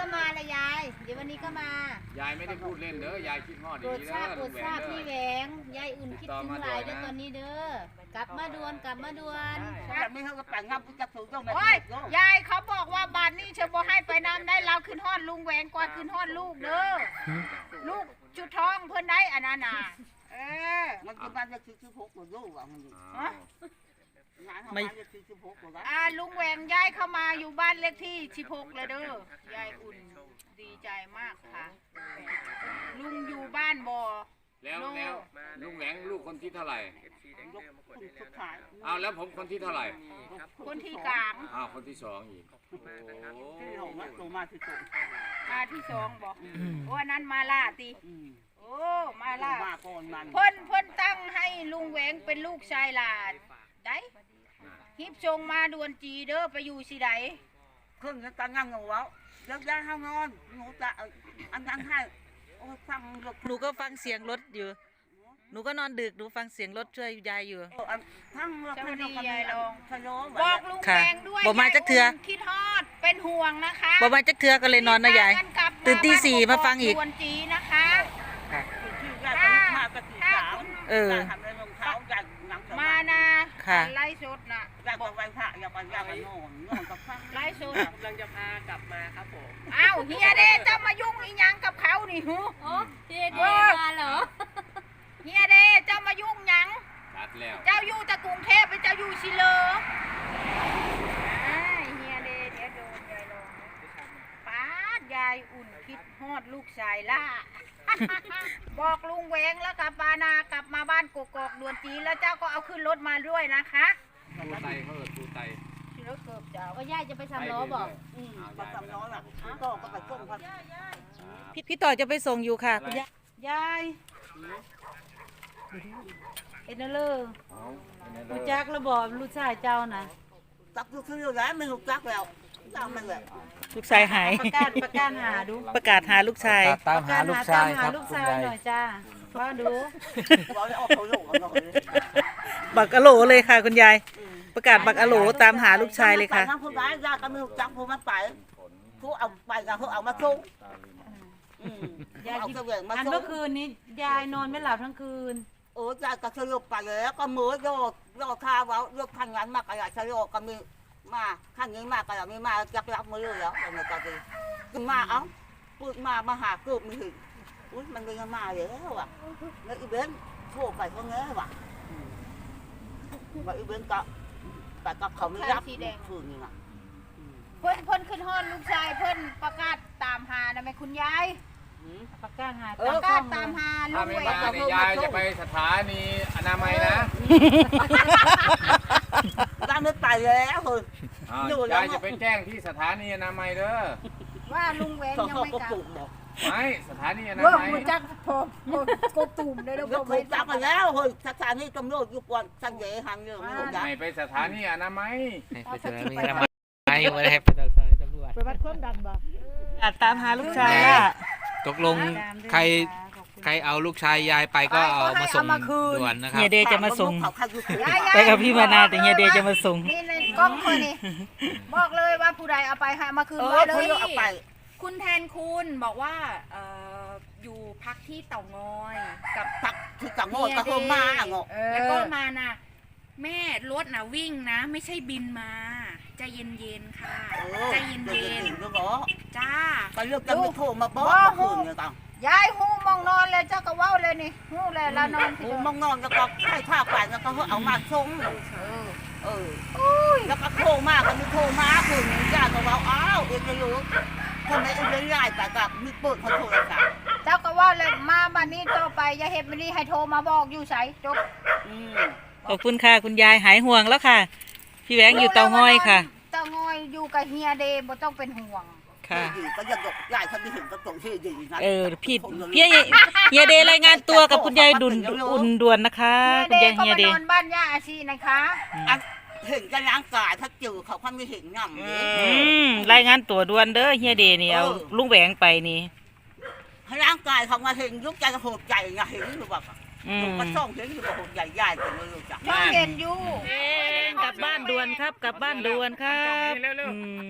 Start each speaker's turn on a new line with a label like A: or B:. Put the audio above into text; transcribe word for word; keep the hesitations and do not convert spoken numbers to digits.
A: ก็มาละยายเดี๋ยววันนี้ก็มาย
B: ายไม่ได้พูดเล่นเด้อยายคิดฮอด
A: โปร
B: ดี
A: ด
B: ๆ
A: ทราบ
B: เด้อ
A: โปร
B: ลุ
A: ด
B: งแหว
A: ทราง บ
B: เด้อ
A: พี่แหวงยายอุ่นคิดถึงหลายเด้อตอนนี้เด้อกลับมาด่วนกลับมาด่วน
C: แบบนี้เขาก็แต่งงานจะถูกต้องแบบ
D: โอ้ยยายเขาบอกว่าบ้านนี้เชอบ่ให้ไปน้ำได้เราขึ้นฮอดลุงแหวงกว่าขึ้นฮอดลูกเด้อลูกชุดทองเพิ่นได้อันนั้นน่ะเออ
C: มันจะบ้านจะซื้อซื้อพกหมดลูกอ่ะมัน
D: ฮะ
C: งานทำบ้านจะซื้อซื้อพกหมดแล้ว
D: อ่าลุงแหวงย้ายเข้ามาอยู่บ้านเลขที่สิบหกเลยเด้อยายอุ่นดีใจมากค่ะ ลุงอยู่บ้านบ่
B: แล้วแล้วลุงแหวงลูกคนที่เท่าไหร่
C: ยกคนสุดท้าย
B: เอาแล้วผมคนที่เท่าไหร่
D: คนที่กลาง
B: อ้าวคนที่สองอีกโอ้
C: ที่หงมาตัวมาที่สุด
D: มาที่สองบอกโอ้อันนั้นมาล่าติโอ้มาล่า
C: มาก่อนมัน
D: เพิ่นเพิ่นตั้งให้ลุงแหวงเป็นลูกชายหลานได้ฮิบชงมาดวนจีเด้อไปอยู่สิได
C: เครื่องนั้นตั้งงานเงาเว้าเลิกได้ห้างนอนหนูจะอันนั้นให้โอ้ฟังลูก
E: หนูก็ฟังเสียงรถอยู่ หนูก็นอนดึก หนูฟังเสียงรถช่วยยายอยู่
C: ทั้งเราพันเราพันเราทะเลาะ
D: บอกลุงแหวงด้วย
E: ค่ะบอกมาจักเทื่อ
D: ยยอุ่นคิดฮอดเป็นห่วงนะคะ
E: บอกมาจักเทือก็เลยนอนนะยาย ตื่นตีสี่มาฟังอีก
D: ดวนจีนะคะ
C: ที่แรกก็มาปฏิสาม
E: เออ
C: ทำในรองเท้าอยากหนัง
D: มานะ
E: ค่ะ
D: ไล่สดนะ
C: อยากไปไหว้พระอยากไปอยากไปนอนนอนกับฟัง
D: ไล่สด
F: กำลังจะพากลับมาครับผม
D: อ้าวเฮียเดชจะมายุ่งอีหยังกับเขานี่หู
A: โอ้พี่เดมาเหรอ
D: เฮียเดชจะมายุ่งหยัง
B: ชัดแล้ว
D: เจ้าอยู่แต่กรุงเทพไปเจ้าอยู่ชิเลออ้ายเฮียเดชเดี๋ยวโดนยายลงป้ายายอุ่นคิดฮอดลูกชายล่า บอกลุงแหวงแล้วกับปานากลับมาบ้านกกอกด่วนจีแล้วเจ้าก็เอาขึ้นรถมาด้วยนะคะ
B: ตูไตเขาเอิดตูไต
D: ชิรถเกือบเจ้า
A: ก็ยายจะไปทำล้อบอก
C: อืมมาทำน้อยอ่ะก็ก็ไปส่งพัน
E: พี่พี่ต่อจะไปส่งอยู่ค่ะคุณยาย
A: ยายเอ็นเลอร์
B: เอาอันนั้น
A: รู้
B: เด้
A: จั
B: อก
A: ระบอกลูกชายเจ้านะ
C: ตักทุกทีแล้วไม่ถูกตักแล้วตักมันเลย
E: ลูกชายหาย
A: ประกาศประกาศหาดู
E: ประกาศหาลูกชาย
F: ตามหาลูกชายครับ
A: ลูก
F: คุณ
A: ชาย
F: ยาย
A: หน่อยจ้าว่าดู
C: เราได้ออกเขาโลกกันเลย
E: บักอะโหลเลยค่ะคุณยาย ประกาศบักอะโหลตามหาลูกชายเลยค่ะ
C: ทั้งผู้ร้ายยากก็ไม่ถูกจักผู้มันไปผู้เอาไปกับผู้เอามาส่งเอาเสวียงมา
A: อัน
C: ส่
A: เมื่
C: ง
A: อคืนนี้ยายนอนไม่หลับทั้งคืน
C: โอ้ยายก็สลบไปแล้วก็มือโยกโยกข้าวโยกขันงานมากอะไรสลบก็มีมาขันนี้มากอะไรมีมาจักรับมือแล้วอะไรก็ดีคือมาเอ้าพูดมามาหาเกือบไม่ถึงอุ้ยมันเลยมาแล้วอ่ะแล้วอีเบนโทรไปเขาเงี้ยว่ะว่าอีเบนก็แต่ก็เขาไม่รับคืนนี่นะ
D: เพิ่นเพิ่นขึ้นฮอดลูกชายเพิ่นประกาศตามหานะแม่คุณยาย
A: ประกาศหา
D: ประกาศตามหาลุ
B: ถ้าง ไม่
D: แหว
B: มาง เนี่ยยายจะไปสถานีอนามัยนะ
C: ร้านไม่ไปแล้วเฮ้ย
B: อ้าวยายจะไปแจ้งที่สถานีอนามัยเด้อ
D: ว่าลุงแหวง
C: เขา
D: ยัง
C: เขา
D: ไม่
C: ก็
D: กลั
C: ปลู
D: บ
C: กบอก
B: ไม่สถานีอนา
D: เว่า
B: มัย
D: มันจักพอโกตุ่มเลยแล้ว
C: แล้ว
D: ก็
C: ถูกจับมาแล้วเฮ้ยสถานีตำรวจอยู่ก่อนสังเกตหันเรื่องไม่ถูกจับ
B: ไม่ไปสถานีอนามัย
F: ให้ไปเจอมีทำไมไม่ได้ไปเจอตำรวจ
D: ไปวัดความดันบ่
E: ประกาศตามหาลูกชายล่ะ
F: ตกลงใครใครเอาลูกชายยายไปก็เอามาส่งด่วนนะครับ
E: เฮียเดจะมาส่ง
C: เขาใครอยู่ถูก
E: ไปกับพี่มานาแต่เฮียเดจะมาส่ง
D: นี่ในกล้องคนนี้บอกเลยว่าผู้ใดเอาไปหามาคืน
C: เอ
D: ไว้
C: อ
D: เล
C: เขา
D: ย
C: เอาไป
G: คุณแทนคุณบอกว่าเอ่ออยู่พักที่เต่างอยกับ
C: ตักที่กังโง่ตะโกนมาอ่ะงอ
G: แล้วก็มานะแม่รถนะวิ่งนะ ไม่ใช่บินมาใจเย็นๆค่ะ ใจเย็น
C: เย็นๆก็บอก
G: ๆจ้า
C: ก็เลือกกันไม่โทรมาบอกคืนเนี่ยตัง
D: ยายหูมองนอนเลยเจ้าก็เว้าเลยนี่หูเลยละนอนสิ
C: โอ้มองนอนแล้วก็ให้ข้าวไปแล้วก็เอามาส่งเออแล้วก็โทรมาก็มีโทรมาคืนนี้ญาติก็บอกอ้าวเอ็งไม่รู้คนไหนเอ็งไม่ได้แต่กับมีเปิดเขาโทรศัพท์
D: เจ้าก็เว่าเลยมาบัดนี้ต่อไปอย่าเฮ็ดบัดนี้ให้โทรมาบอกอยู่ไสจบ
C: อืม
E: ขอบคุณค่ะคุณยายหายห่วงแล้วค่ะ พี่แหวงอยู่เตาง้อยค่ะ
D: เตางอยอยู่กับเฮียเดย์บ่ต้องเป็นห่วง
E: ค่ะ
C: ดีก็ยังยกยายเขาไม่ถึงก็ตรงที่ดีนะ
E: เออพี่เฮียเฮียเดรายงานตัวกับคุณยายดุนอุ่นด่วนนะคะ คุณยาย
D: ก็
E: เฮีย
D: มา
E: เด
D: นอนบ้านย่าอาชีนะคะ
C: เห็นกันร่างกายถ้าจืดเขาเขาไม่เห็นง่ำเลย
E: อืมรายงานตัวด่วนเด้อเฮียเดนี่เอาลุงแหวงไปนี่
C: ร่างกายเขามาเห็นยุกใจโหดใจไงเห็นหรือเปล่า
E: อืม
C: ก็ส่องเห็นหรือเปล่าโหดใหญ่ๆแต่ไม่รู้จัก
D: ช่องเห็นอยู่
E: กลับบ้านด่วนครับ กลับบ้านด่วนครับ
B: เร็วๆ
E: อืม